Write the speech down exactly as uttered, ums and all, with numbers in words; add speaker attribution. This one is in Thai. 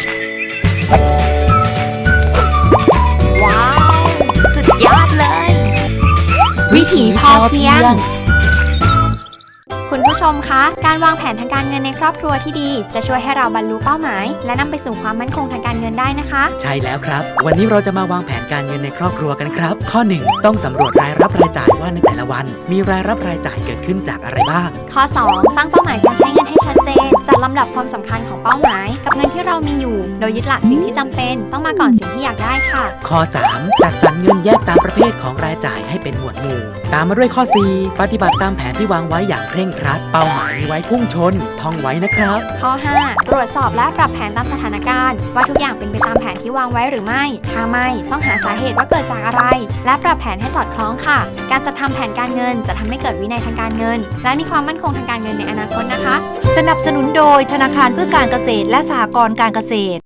Speaker 1: ว้าวสุดยอดเลยวิถีพอเพียงคุณผู้ชมคะการวางแผนทางการเงินในครอบครัวที่ดีจะช่วยให้เราบรรลุเป้าหมายและนำไปสู่ความมั่นคงทางการเงินได้นะคะ
Speaker 2: ใช่แล้วครับวันนี้เราจะมาวางแผนการเงินในครอบครัวกันครับข้อหนึ่งต้องสำรวจรายรับรายจ่ายว่าในแต่ละวันมีรายรับรายจ่ายเกิดขึ้นจากอะไรบ้าง
Speaker 1: ข้อสองตั้งเป้าหมายการใช้เงินให้ชัดเจนจัดลำดับความสำคัญของเป้าหมายกับเงินที่เรามีอยู่โดยยึดหลักสิ่งที่จำเป็นต้องมาก่อนสิ่งที่อยากได้ค่ะ
Speaker 2: ข้อสามจัดสรรเงินแยกตามประเภทของรายจ่ายให้เป็นหมวดหมู่ตามมาด้วยข้อสี่ปฏิบัติตามแผนที่วางไว้อย่างเคร่งครัดเป้าหมายมีไว้พุ่งชนท่องไว้นะครับ
Speaker 1: ข้อห้าตรวจสอบและปรับแผนตามสถานการณ์ว่าทุกอย่างเป็นไปตามแผนที่วางไว้หรือไม่ถ้าไม่ต้องหาสาเหตุว่าเกิดจากอะไรและปรับแผนให้สอดคล้องค่ะการจัดทำแผนการเงินจะทำให้เกิดวินัยทางการเงินและมีความมั่นคงทางการเงินในอนาคตนะคะ
Speaker 3: สนับสนุนโดยธนาคารเพื่อการเกษตรและสหกรณ์การเกษตร